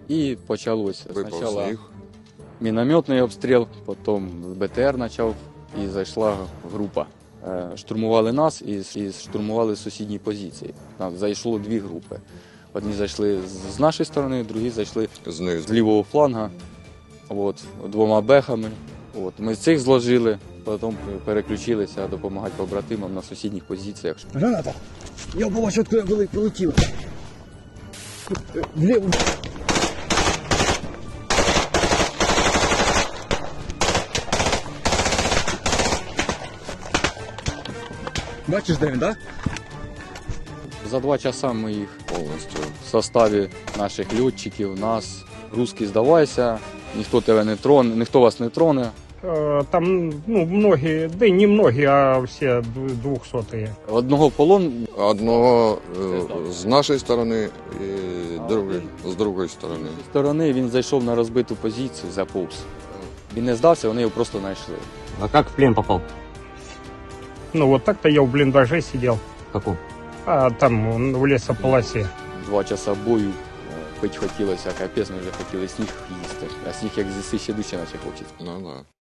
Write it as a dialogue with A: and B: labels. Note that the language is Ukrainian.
A: І почалося.
B: Випав
A: Спочатку
B: сніг.
A: мінометний обстріл, потім БТР почав і зайшла група. Штурмували нас і штурмували сусідні позиції. Зайшло дві групи. Одні зайшли з нашої сторони, другі зайшли
B: Знизу.
A: з лівого фланга, двома бехами. Ми цих зложили, потім переключилися допомагати побратимам на сусідніх позиціях.
C: Граната! Я побачив, откуда полетіла. Вліво. Бачиш, де він, так?
A: За 2 часа ми їх
B: Повністю.
A: в составі наших льотчиків, нас, русський здавайся, ніхто тебе не троне, ніхто вас не троне.
D: Там, многие, да и не многие, а все 200-е.
A: Одного в полон,
B: Одного з нашої сторони і другий з другої сторони.
A: з сторони він зайшов на розбиту позицію, заповз. Він не здався, вони його просто знайшли.
E: А как в плен попал?
D: Вот так-то я в блиндаже сидел,
E: Каком?
D: а там в лесополосе.
A: 2 часа бою, пить хотілося, капець, ми вже хотіли сніг їсти. А сніг як з'їсти ще дужче наче хочеться.
B: Ну да.